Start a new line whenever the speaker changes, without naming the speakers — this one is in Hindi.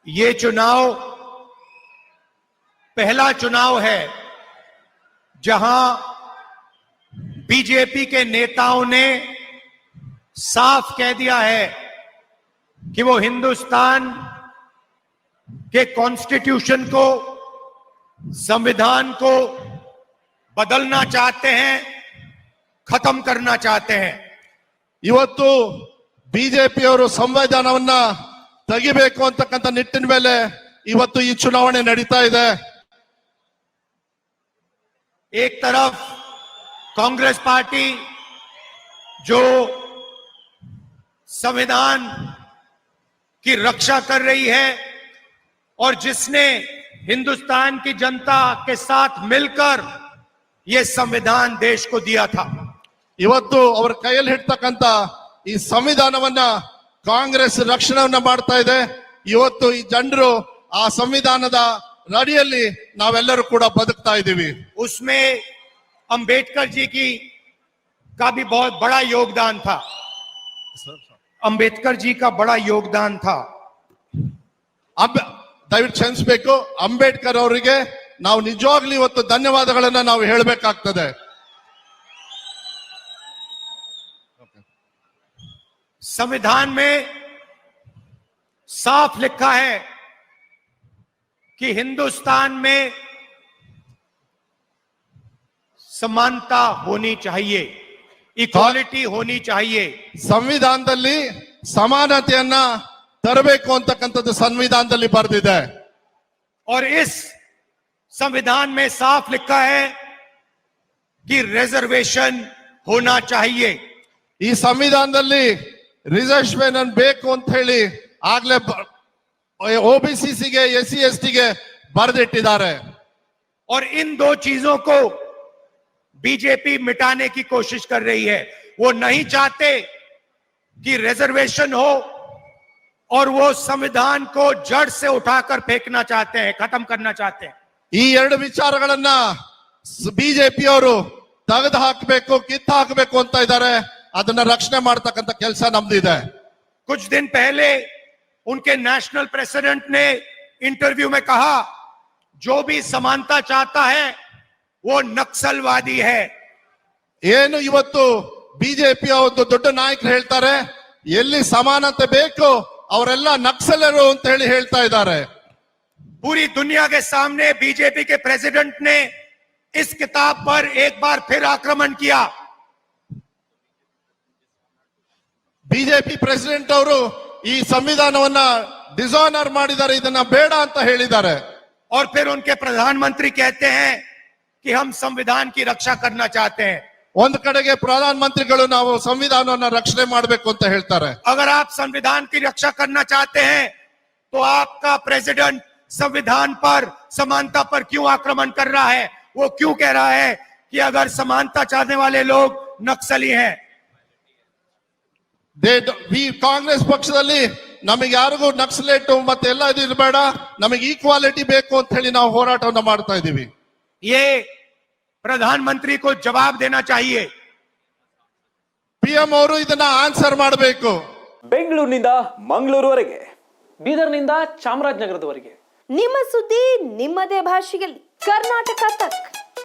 ये चुनाव पहला चुनाव है जहां बीजेपी के नेताओं ने साफ कह दिया है कि वो हिंदुस्तान के कॉन्स्टिट्यूशन को, संविधान को बदलना चाहते हैं, खत्म करना चाहते हैं।
ಇವತ್ತು ಬಿಜೆಪಿಯವರು ಸಂವಿಧಾನವನ್ನ ತೆಗಿಬೇಕು ಅಂತಕ್ಕಂಥ ನಿಟ್ಟಿನ ಮೇಲೆ ಇವತ್ತು ಈ ಚುನಾವಣೆ ನಡೀತಾ ಇದೆ।
एक तरफ कांग्रेस पार्टी जो संविधान की रक्षा कर रही है और जिसने हिंदुस्तान की जनता के साथ मिलकर यह संविधान देश को दिया था,
ಇವತ್ತು ಅವರ ಕೈಯಲ್ಲಿ ಹಿಡ್ತಕ್ಕಂತ ಈ ಸಂವಿಧಾನವನ್ನ ಕಾಂಗ್ರೆಸ್ ರಕ್ಷಣೆಯನ್ನ ಮಾಡ್ತಾ ಇದೆ। ಇವತ್ತು ಈ ಜನರು ಆ ಸಂವಿಧಾನದ ಅಡಿಯಲ್ಲಿ ನಾವೆಲ್ಲರೂ ಕೂಡ ಬದುಕ್ತಾ ಇದ್ದೀವಿ।
उसमें अंबेडकर जी का भी बहुत बड़ा योगदान था। अंबेडकर जी का बड़ा योगदान था।
ದಯವಿಟ್ಟು ಕ್ಷಮಿಸಬೇಕು, ಅಂಬೇಡ್ಕರ್ ಅವರಿಗೆ ನಾವು ನಿಜವಾಗ್ಲೂ ಇವತ್ತು ಧನ್ಯವಾದಗಳನ್ನ ನಾವು ಹೇಳಬೇಕಾಗ್ತದೆ।
संविधान में साफ लिखा है कि हिंदुस्तान में समानता होनी चाहिए, इक्वालिटी होनी चाहिए।
ಸಂವಿಧಾನದಲ್ಲಿ ಸಮಾನತೆಯನ್ನ ತರಬೇಕು ಅಂತಕ್ಕಂಥದ್ದು ಸಂವಿಧಾನದಲ್ಲಿ ಬರೆದಿದೆ।
और इस संविधान में साफ लिखा है कि रिजर्वेशन होना चाहिए।
ಈ ಸಂವಿಧಾನದಲ್ಲಿ ರಿಸರ್ವೇಶನ್ ಬೇಕು ಅಂತ ಹೇಳಿ ಆಗ್ಲೇ ओबीसी एससी एसटी ಗೆ ಬರೆದಿಟ್ಟಿದ್ದಾರೆ।
और इन दो चीजों को बीजेपी मिटाने की कोशिश कर रही है। वो नहीं चाहते कि रिजर्वेशन हो और वो संविधान को जड़ से उठाकर फेंकना चाहते हैं, खत्म करना चाहते हैं।
ಈ ಎರಡು ವಿಚಾರಗಳನ್ನ ಬಿಜೆಪಿಯವರು ತೆಗೆದು ಹಾಕಬೇಕು, ಕಿತ್ತು ಹಾಕಬೇಕು ಅಂತ ಇದ್ದಾರೆ। ಅದನ್ನ ರಕ್ಷಣೆ ಮಾಡತಕ್ಕಂತ ಕೆಲಸ ನಮ್ದಿದೆ।
कुछ दिन पहले उनके नेशनल प्रेसिडेंट ने इंटरव्यू में कहा, जो भी समानता चाहता है वो नक्सलवादी है।
ಏನು ಇವತ್ತು ಬಿಜೆಪಿ ಒಂದು ದೊಡ್ಡ ನಾಯಕರು ಹೇಳ್ತಾರೆ, ಎಲ್ಲಿ ಸಮಾನತೆ ಬೇಕು ಅವರೆಲ್ಲ ನಕ್ಸಲರು ಅಂತ ಹೇಳಿ ಹೇಳ್ತಾ ಇದ್ದಾರೆ।
पूरी दुनिया के सामने बीजेपी के प्रेसिडेंट ने इस किताब पर एक बार फिर आक्रमण किया।
ಬಿಜೆಪಿ ಪ್ರೆಸಿಡೆಂಟ್ ಅವರು ಈ ಸಂವಿಧಾನವನ್ನ ಡಿಸಾನರ್ ಮಾಡಿದ್ದಾರೆ, ಇದನ್ನ ಬೇಡ ಅಂತ ಹೇಳಿದ್ದಾರೆ।
और फिर उनके प्रधानमंत्री कहते हैं कि हम संविधान की रक्षा करना चाहते हैं।
ಒಂದ್ ಕಡೆಗೆ ಪ್ರಧಾನ ಮಂತ್ರಿಗಳು ನಾವು ಸಂವಿಧಾನವನ್ನ ರಕ್ಷಣೆ ಮಾಡಬೇಕು ಅಂತ ಹೇಳ್ತಾರೆ।
अगर आप संविधान की रक्षा करना चाहते हैं तो आपका प्रेसिडेंट संविधान पर, समानता पर क्यों आक्रमण कर रहा है? वो क्यों कह रहा है कि अगर समानता चाहने वाले लोग नक्सली हैं?
ಕಾಂಗ್ರೆಸ್ ಪಕ್ಷದಲ್ಲಿ ನಮಗೆ ಯಾರಿಗೂ ನಕ್ಸಲೇಟ್ ಮತ್ತೆ ಎಲ್ಲ ಇದು ಇರಬೇಡ, ನಮಗೆ ಈಕ್ವಾಲಿಟಿ ಬೇಕು ಅಂತ ಹೇಳಿ ನಾವು ಹೋರಾಟವನ್ನ ಮಾಡ್ತಾ ಇದೀವಿ।
ये प्रधानमंत्री को जवाब देना चाहिए।
ಪಿಎಂ ಅವರು ಇದನ್ನ ಆನ್ಸರ್ ಮಾಡಬೇಕು।
ಬೆಂಗಳೂರಿನಿಂದ ಮಂಗಳೂರುವರೆಗೆ, ಬೀದರ್ನಿಂದ ಚಾಮರಾಜನಗರದವರೆಗೆ
ನಿಮ್ಮ ಸುದ್ದಿ ನಿಮ್ಮದೇ ಭಾಷೆಯಲ್ಲಿ, ಕರ್ನಾಟಕ ತಕ್।